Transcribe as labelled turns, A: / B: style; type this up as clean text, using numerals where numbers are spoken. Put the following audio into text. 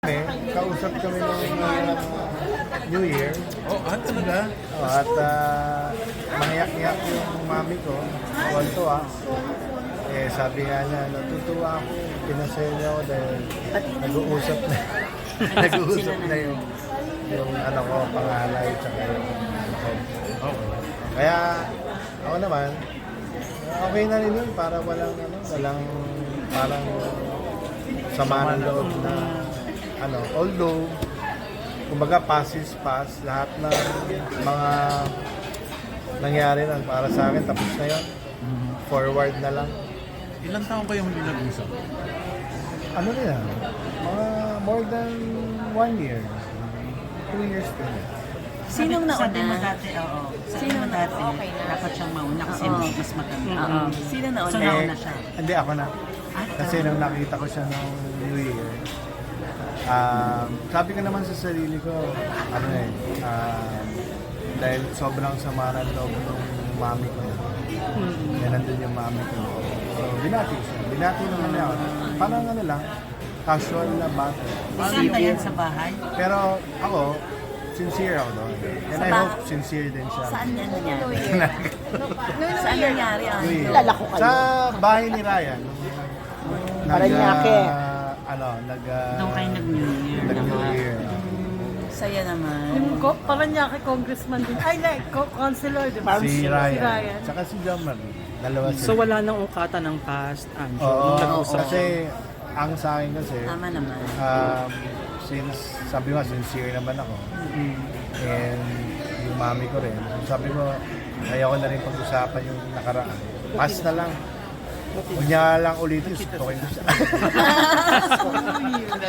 A: Kausap kami nung New Year.
B: Talaga?
A: At mangyak-ngyak yung mami ko. Tuwan-tuwa. Sabi nga niya, natutuwa ako. Pinasaya niya ako dahil nag-uusap na. Nag-uusap na yung ano ko, pangalay, tsaka yung
B: Okay.
A: Kaya ako naman, okay na rin yun para walang parang sama ng loob na although kumbaga past is past, lahat ng mga nangyari na para sa akin tapos na yun. Forward na lang.
B: Ilang taon kayong hindi nag-usap?
A: Ano na yan? Mga more than 1 year. 2 years din.
C: Sinong
D: Sabi mo
C: nauna?
D: dati, oo. Sabi mo dati, dapat siyang mauna kasi
C: Oo.
D: mas maganda.
C: Oo. Sino nauna?
D: So, nauna siya.
A: Hindi, ako na. Kasi nung nakita ko siya nung New Year, sabi ko naman sa sarili ko, dahil sobrang sama ng loob ng mami ko. Yan nandun yung mami ko. So, binati ko siya. Binati naman niya ako. Parang lang, casual na bata.
D: Saan yan sa bahay?
A: Pero ako, sincere ako doon. And I hope sincere din siya.
C: Saan yan nangyari? Saan nangyari?
A: New Year.
E: Kilala ko kayo.
A: Sa bahay ni Ryan.
E: Paranaque.
D: Doon kayo nag-New Year.
A: Nag-New Year.
C: Saya naman.
E: Yung Paranaque congressman din. Ay, like, councilor, di ba?
A: Si Ryan. Tsaka si John Marie. Dalawa sila.
F: So wala nang ungkatan ng past, Anjo?
A: Oo,
F: Nung nag-usap
A: kasi ang sa akin kasi,
C: Tama naman.
A: since sabi mo, sincere naman ako. And yung mami ko rin. Sabi ko, ayaw ko na rin pag-usapan yung nakaraan. Pass na lang. Huwag niya lang ulitin, sutukin ko siya.